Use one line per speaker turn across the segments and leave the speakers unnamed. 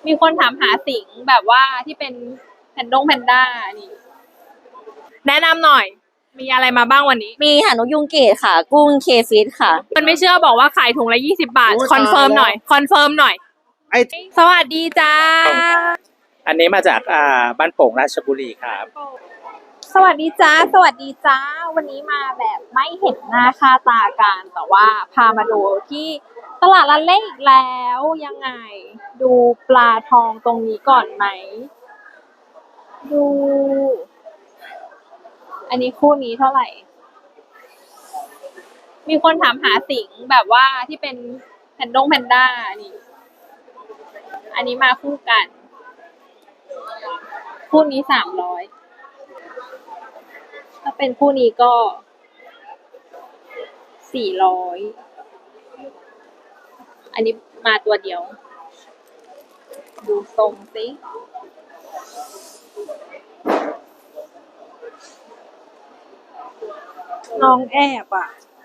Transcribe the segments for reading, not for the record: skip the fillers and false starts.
มีคนถามหาสิงแบบว่าที่เป็นแพนด้านี่แนะนำหน่อยมีอะไรมาบ้างวันนี้
มีหางนกยุงเกตค่ะ กุ้งเคฟิตค่ะ
มันไม่เชื่อบอกว่าขายถุงละ20 บาทคอนเฟิร์มหน่อย
ไอ้
สวัสดีจ้า
อันนี้มาจากบ้านโป่งราชบุรีครับ
สวัสดีจ้าวันนี้มาแบบไม่เห็นหน้าค่าตากันแต่ว่าพามาดูที่ตลาดละเล่อีกแล้วยังไงดูปลาทองตรงนี้ก่อนไหมดูอันนี้คู่นี้เท่าไหร่มีคนถามหาสิงแบบว่าที่เป็นแพนด้านี่อันนี้มาคู่กันคู่นี้300ถ้าเป็นคู่นี้ก็400อันนี้มาตัวเดียว ดูทรงสิน้องแอบอ่ะ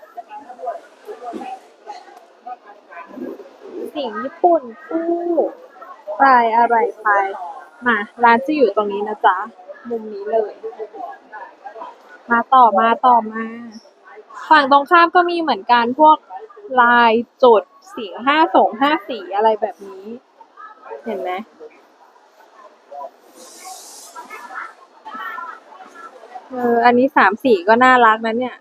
สิ่งญี่ปุ่นคู่ปลายอะไรไปมาร้านจะอยู่ตรงนี้นะจ๊ะมุมนี้เลยมาต่อมาฝั่งตรงข้ามก็มีเหมือนกันพวกลายจุดสี5 สีอะไรแบบนี้เห็นไหมอันนี้3 สีก็น่ารักนะเนี่ย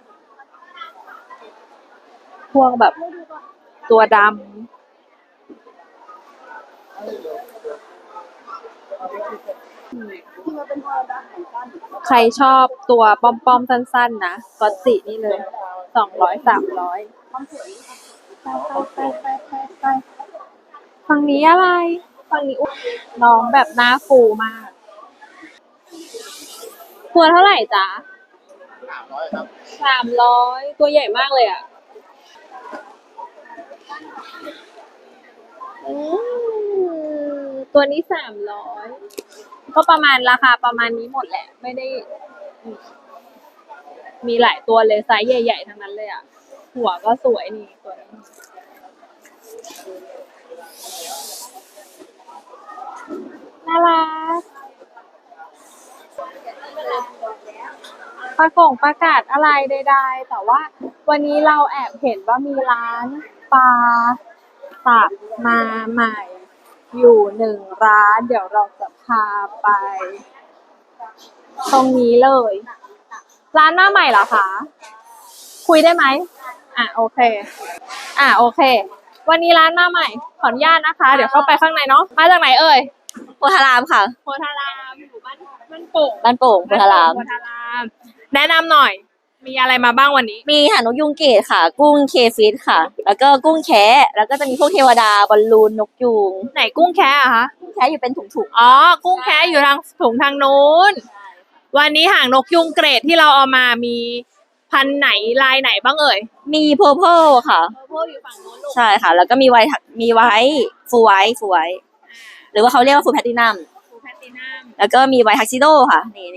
พวกแบบตัวดำใครชอบตัวป้อมๆสั้นๆนะก็จินี่เลย200 300ไปฝั่งนี้อะไรฝั่งนี้น้องแบบหน้าฟูมากตัวเท่าไหร่จ๊ะ300ครับ300ตัวใหญ่มากเลยอ่ะตัวนี้300ก็ประมาณราคาประมาณนี้หมดแหละไม่ได้มีหลายตัวเลยไซส์ใหญ่ๆทั้งนั้นเลยอ่ะหัวก็สวยนี่ตัวนี้น่ารักประกาศอะไรใดๆแต่ว่าวันนี้เราแอบเห็นว่ามีร้านปลาตักมาใหม่อยู่1 ร้านเดี๋ยวเราจะพาไปตรงนี้เลยร้านมาใหม่เหรอคะคุยได้ไหมโอเควันนี้ร้านมาใหม่ขออนุญาตนะคะเดี๋ยวเข้าไปข้างในเนาะมาจากไหนเอ่ย
โพธารามค่ะ
โพธารามอยู่บ้านโป่ง
โพธาราม
แนะนำหน่อยมีอะไรมาบ้างวันนี้
มีหางนกยุงเกตค่ะ กุ้งเคฟิตค่ะ แล้วก็กุ้งแคะแล้วก็จะมีพวกเทวดาบอลลูนนกยูง
ไหนกุ้งแคะอะคะ
แคะอยู่เป็นถุง
กุ้งแคะอยู่ทางถุงทางนู้นวันนี้หางนกยุงเกรดที่เราเอามามีพันไหนลายไหนบ้างเอ่ย
มีเพอร์เพลค่ะ
อยู่ฝั่งนู้น
ใช่ค่ะแล้วก็มีไวฟูไวหรือว่าเขาเรียกว่าฟูแพตตินัมแล้วก็มีไวทักซิโดค่ะนี่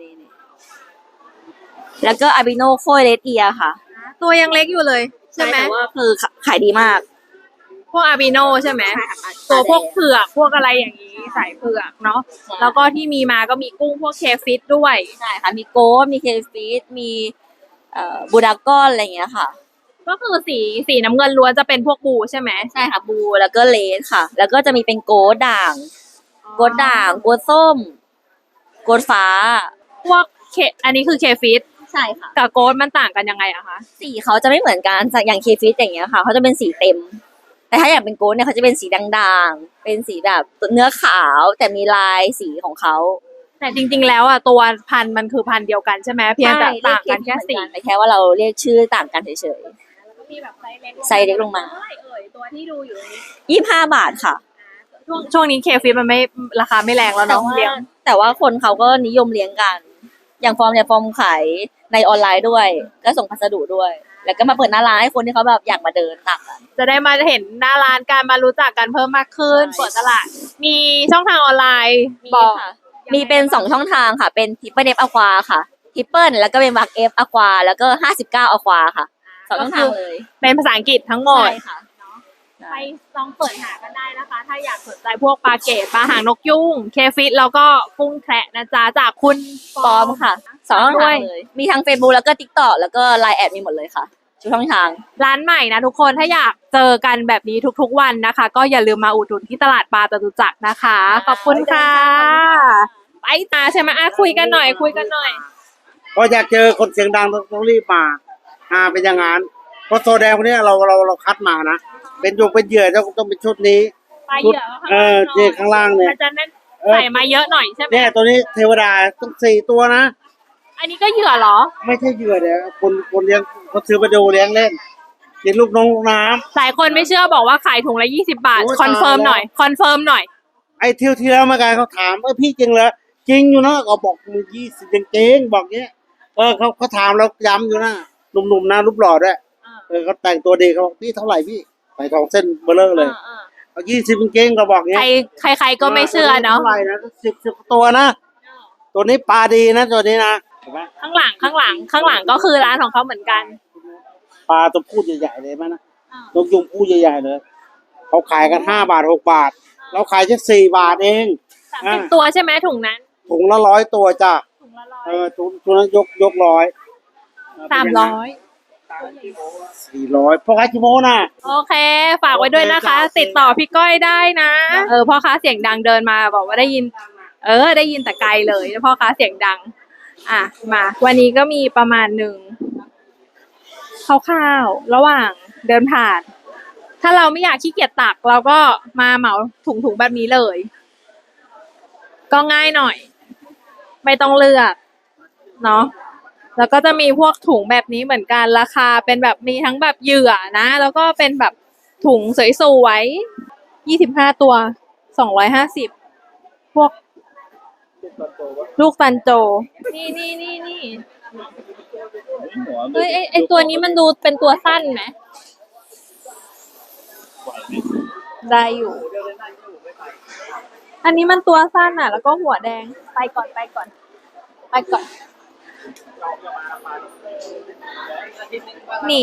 แล้วก็อาบิโนโคเลสเอียค่ะ
ตัวยังเล็กอยู่เลยใช่ไหม
แต่ว่าคือขายดีมาก
พวกอาบิโนใช่ไหมตัวพวกเผือกพวกอะไรอย่างนี้สายเผือกเนาะแล้วก็ที่มีมาก็มีกุ้งพวกเคฟิตด้วย
ใช่ค่ะมีโก้มีเคฟิตมีบูดากอนอะไรอย่างเงี้ยค่ะ
ก็คือสีน้ำเงินล้วนจะเป็นพวกบูใช่ไหม
ใช่ค่ะบูแล้วก็เลสค่ะแล้วก็จะมีเป็นโกดด่างโกดส้มโกดฟ้า
พวกอันนี้คือเคฟิต
ใช่ค่ะ
กับโกดมันต่างกันยังไงอะคะ
สีเขาจะไม่เหมือนกันอย่างเคฟิตอย่างเงี้ยค่ะเขาจะเป็นสีเต็มแต่ถ้าอย่างเป็นโกดเนี่ยเขาจะเป็นสีด่างๆเป็นสีแบบเนื้อขาวแต่มีลายสีของเขา
แต่จริงๆแล้วอ่ะตัวพันธุ์มันคือพันธุ์เดียวกันใช่ไหมเพียงแต่ต่างกันแค่สี
แต่แค่ว่าเราเรียกชื่อต่างกันเฉย
ๆแล้วก็มีแบบไ
ซส์เล็กลงมา
ตัวที่ดูอยู่
25 บาทค่ะ
ช่วงนี้เคฟิตมันไม่ราคาไม่แรงแล้วเนาะเลี้ยง
แต่ว่าคนเขาก็นิยมเลี้ยงกันอย่างฟอร์มขายในออนไลน์ด้วยก็ส่งพัสดุด้วยแล้วก็มาเปิดหน้าร้านให้คนที่เขาแบบอยากมาเดินตัก
จะได้มาเห็นหน้าร้านการมารู้จักกันเพิ่มมากขึ้นเปิดตลาดมีช่องทางออนไลน์
มีเป็น2 ช่องทางค่ะเป็นทิปเปิลเอฟอะควาค่ะทิปเปิลแล้วก็เป็นวักเอฟอะควาแล้วก็59อะควาค่ะ2 ช่องทางเลย
เป็นภาษาอังกฤษทั้งหมดไปลองเปิดหากันได้นะคะ ถ้าอยากสนใจพวกปลาเกตปลาหางนกยุงเคฟิตแล้วก็กุ้งแคระนะจ๊ะจากคุณ
ปลอมค่ะสองช่องทางเลยมีทั้ง Facebook แล้วก็ TikTok แล้วก็ Line แอดมีหมดเลยค่ะทุกช่องทาง
ร้านใหม่นะทุกคนถ้าอยากเจอกันแบบนี้ทุกๆวันนะคะ ก็อย่าลืมมาอุดหนุนที่ตลาดปลาจตุจักรนะคะ ขอบคุณค่ะไปตาใช่ไหมคุยกันหน่อยคุยกันหน่อย
ก็อยากเจอคนเสียงดังต้องรีบมาเป็นอย่างนั้นเพราะโซแดงคนนี้เราคัดมานะเป็นเหยื่อต้องเป็นชุดนี้
ปลาเหยื่อข้างล่างหน่อย
เนี่ยข้างล่างเนี่ย
มันจะนั่นใส่มาเยอะหน่อยใช่ไหม
เนี่ยตัวนี้เทวดาต้อง4 ตัวนะ
อันนี้ก็เหยื่อเหรอ
ไม่ใช่เหยื่อเดี๋ยวคนเลี้ยงเขาซื้อมาดูเลี้ยงเล่นกินลูกน้องลูกน้
หลายคนไม่เชื่อบอกว่าขายถุงละ20 บาท
โอ้ย
คอนเฟิร์ม
ตายแล้ว
หน่อยคอนเฟิร์มหน่อย
ำไอ้ที่แล้วมากันเขาถามพี่จริงเหรอจริงอยู่นะก็บอกมึง20จริงๆบอกเงี้ยเขาถามแล้วย้ำอยู่นะหนุ่มๆนะรูปหล่อด้วยเขาแต่งตัวดีเขาบอกพี่เท่าไหร่พี่ใส่ทองเส้นเบลเลอร์เลยเอา20จริงๆก็บอกเงี้ย
ใครก็ไม่เชื่อเนาะ
เท่าไหร่นะ10ตัวนะ ตัวนี้ปลาดีนะตัวนี้นะเห็นไหม
ข้างหลังก็คือร้านของเขาเหมือนกัน
ปลาตัวพูดใหญ่ๆเลยมั้ยนะนกยุงพูดใหญ่ๆเลยเขาขายกัน5 บาท6 บาทเราขายแค่4 บาทเอง
30 ตัวใช่ไหมถุงนั้น
ถุงละ100 ตัวจ้ะ
ถุงละ100
ถุงนั้นยก100
300
400พ่อค้าชิโมนะ
โอเค ฝากไว้ด้วยนะคะ ติดต่อพี่ก้อยได้นะพ่อค้าเสียงดังเดินมาบอกว่าได้ยินได้ยินแต่ไกลเลยพ่อค้าเสียงดังมาวันนี้ก็มีประมาณหนึ่งคร่าวๆระหว่างเดินผ่าน ถ้าเราไม่อยากขี้เกียจตักเราก็มาเหมาถุงแบบนี้เลย ก็ง่ายหน่อย ไม่ต้องเลือกเนาะแล้วก็จะมีพวกถุงแบบนี้เหมือนกันราคาเป็นแบบมีทั้งแบบเหยื่อนะแล้วก็เป็นแบบถุงสวยๆ25 ตัว250พวกลูกตันโจนี่เฮ้ยไอตัวนี้มันดูเป็นตัวสั้นไหมได้อยู่ อันนี้มันตัวสั้นอ่ะ แล้วก็หัวแดงไปก่อนนี่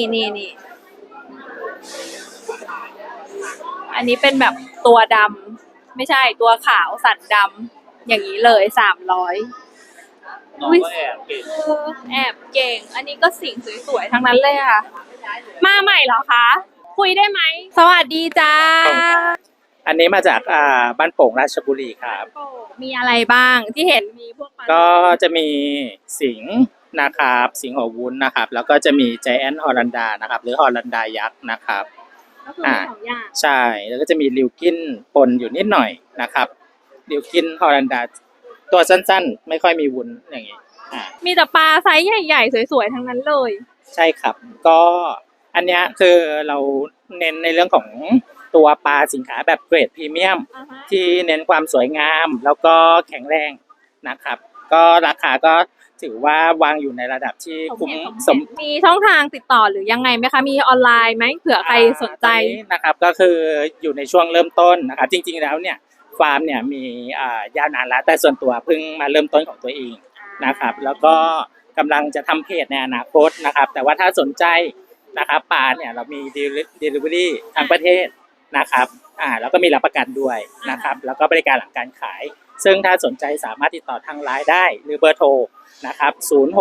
อันนี้เป็นแบบตัวดำไม่ใช่ตัวขาวสันดำอย่างนี้เลย300อุ๊ยแอบเก่ง อันนี้ก็สิ่งสวยๆทั้งนั้นเลยค่ะ มาใหม่เหรอคะ คุยได้ไหม สวัสดีจ้า
อันนี้มาจากบ้านโป่งราชบุรีครับ
มีอะไรบ้างที่เห็นมีพวกปลา
ก็จะมีสิงห์นะครับสิงห์หัววุ้นนะครับ แล้วก็จะมีใจแอนฮอลันดานะครับ หรือฮอลันดายักษ์นะครับ
ก็คือมี2 อย่าง
ใช่แล้วก็จะมีลิวกินปนอยู่นิดหน่อยนะครับลิวกินฮอลันดาตัวสั้นๆ ไม่ค่อยมีวุ้นอย่างนี้
มีแต่ปลาไซส์ใหญ่ๆสวยๆทั้งนั้นเลย
ใช่ครับก็อันเนี้ยคือเราเน้นในเรื่องของตัวปลาสินค้าแบบเกรดพรีเมียม ที่เน้นความสวยงามแล้วก็แข็งแรงนะครับ ก็ราคาก็ถือว่าวางอยู่ในระดับที่คุ้มสม
มีช่องทางติดต่อหรือยังไงไหมคะ มีออนไลน์ไหมเผื่อใครสนใจ
ตอนนี้นะครับก็คืออยู่ในช่วงเริ่มต้นนะครับจริงๆแล้วเนี่ยฟาร์มเนี่ยมียาวนานแล้วแต่ส่วนตัวเพิ่งมาเริ่มต้นของตัวเองนะครับแล้วก็กำลังจะทำเพจในอนาคตนะครับแต่ว่าถ้าสนใจนะครับปลาเนี่ยเรามี delivery ทางประเทศนะครับแล้วก็มีรับประกันด้วยนะครับแล้วก็บริการหลังการขาย ซึ่งถ้าสนใจสามารถติดต่อทางไลน์ได้หรือเบอร์โทรนะครับ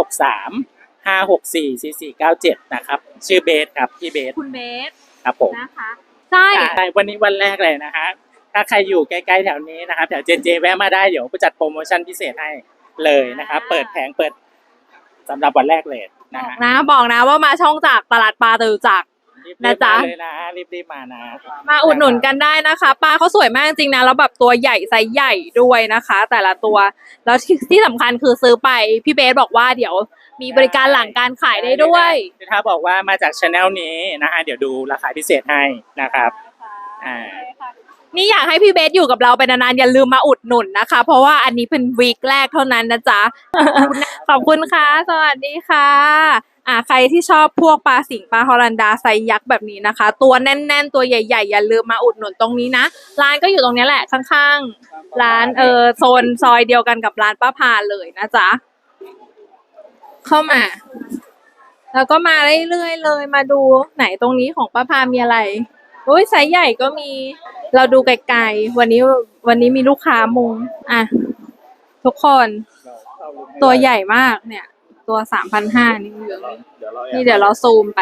063-564-4497นะครับชื่อเบสครับพี่เบส
คุณเบส
ครับผม
นะคะใช่
วันนี้วันแรกเลยนะฮะถ้าใครอยู่ใกล้ๆแถวนี้นะครับแถวเจแวะมาได้เดี๋ยวจัดโปรโมชั่นพิเศษให้เลยนะครับเปิดแผงเปิดสำหรับวันแรกเลยนะฮะ
บอกนะว่ามาช่องจากตลาดปลาจตุจักร นะจ๊ะ
รีบๆมาเลยนะรีบๆมานะ
มาอุดหนุนกันได้นะคะปลาเขาสวยมากจริงนะแล้วแบบตัวใหญ่ไซส์ใหญ่ด้วยนะคะ แต่ละตัวแล้วที่สำคัญคือซื้อไปพี่เบสบอกว่าเดี๋ยวมีบริการหลังการขายได้ด้วย
ถ้าบอกว่ามาจากช anel นี้นะฮะเดี๋ยวดูราคาพิเศษให้นะครับ
นี่อยากให้พี่เบสอยู่กับเราไปนานๆอย่าลืมมาอุดหนุนนะคะ เพราะว่าอันนี้เป็นวีคแรกเท่านั้นนะจ๊ะ ขอบคุณค่ะสวัสดีค่ะใครที่ชอบพวกปลาสิงห์ปลาฮอลันดาไซส์ยักษ์แบบนี้นะคะ ตัวแน่นๆตัวใหญ่ๆอย่าลืมมาอุดหนุนตรงนี้นะร้านก็อยู่ตรงนี้แหละข้างๆร้านโซนซอยเดียวกันกับร้านป้าพาเลยนะจ๊ะเข้ามา แล้วก็มาเรื่อยๆเลยมาดูไหนตรงนี้ของป้าพามีอะไรอุ้ยไซส์ใหญ่ก็มีเราดูไกลๆวันนี้มีลูกค้ามุงอ่ะทุกคนตัวใหญ่มากเนี่ย ตัว3,500นี่อยู่นี่เดี๋ยวเราซูมไป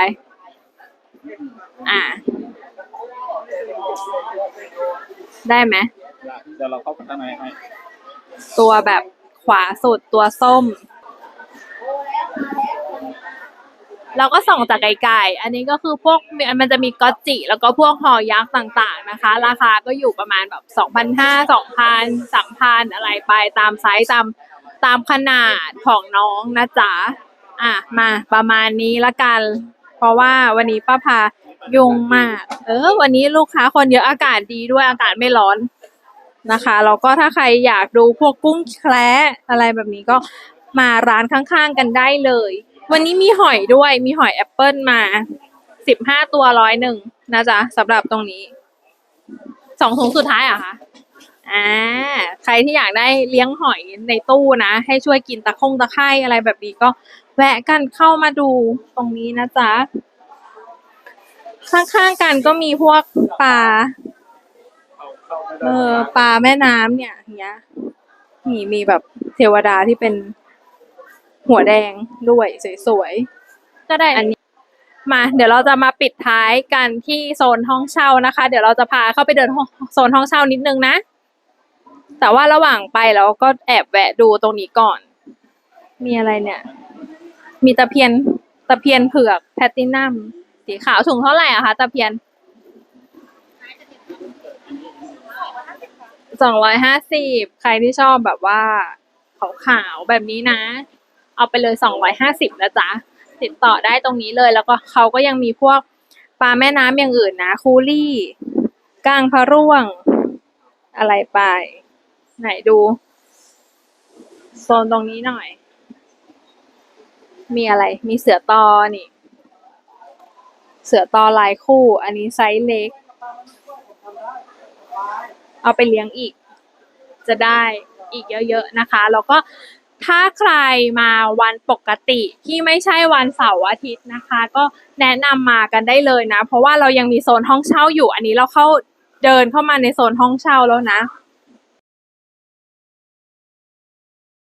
ได้ไหม
เดี๋ยวเราเข้าข้างในให้
ตัวแบบขวาสุดตัวส้ม เราก็ส่องจากไกลๆอันนี้ก็คือพวกมันจะมีก๊อตจิแล้วก็พวกหอยักษ์ต่างๆนะคะ ราคาก็อยู่ประมาณแบบ2,500 2,000 3,000อะไรไปตามไซส์ตามขนาดของน้องนะจ๊ะมาประมาณนี้ละกัน เพราะว่าวันนี้ป้าพายุ่งมากวันนี้ลูกค้าคนเยอะอากาศดีด้วยอากาศไม่ร้อนนะคะแล้วก็ถ้าใครอยากดูพวกกุ้งแคระอะไรแบบนี้ก็มาร้านข้างๆกันได้เลยวันนี้มีหอยด้วยมีหอยแอปเปิลมา15 ตัว101นะจ๊ะสำหรับตรงนี้2 ถุงสุดท้ายคะใครที่อยากได้เลี้ยงหอยในตู้นะให้ช่วยกินตะไคร่อะไรแบบนี้ก็แวะกันเข้ามาดูตรงนี้นะจ๊ะข้างๆกันก็มีพวกปลาปลาแม่น้ำเนี่ยอย่างเงี้ยมีแบบเทวดาที่เป็นหัวแดงด้วยสวยๆก็ได้อันนี้มาเดี๋ยวเราจะมาปิดท้ายกันที่โซนห้องเช่านะคะเดี๋ยวเราจะพาเข้าไปเดินโซนห้องเช่านิดนึงนะแต่ว่าระหว่างไปเราก็แอบแวะดูตรงนี้ก่อนมีอะไรเนี่ยมีตะเพียนเผือกแพลตินัมสีขาวถุงเท่าไหร่คะตะเพียน250ใครที่ชอบแบบว่าขาวๆแบบนี้นะเอาไปเลย250นะจ๊ะติดต่อได้ตรงนี้เลยแล้วก็เขาก็ยังมีพวกปลาแม่น้ำอย่างอื่นนะคูลี่ก้างพะร่วงอะไรไปไหนดูโซนตรงนี้หน่อยมีอะไรมีเสือตอนี่เสือตอลายคู่อันนี้ไซส์เล็กเอาไปเลี้ยงอีกจะได้อีกเยอะๆนะคะแล้วก็ถ้าใครมาวันปกติที่ไม่ใช่วันเสาร์อาทิตย์นะคะก็แนะนำมากันได้เลยนะเพราะว่าเรายังมีโซนห้องเช่าอยู่อันนี้เราเดินเข้ามาในโซนห้องเช่าแล้วนะ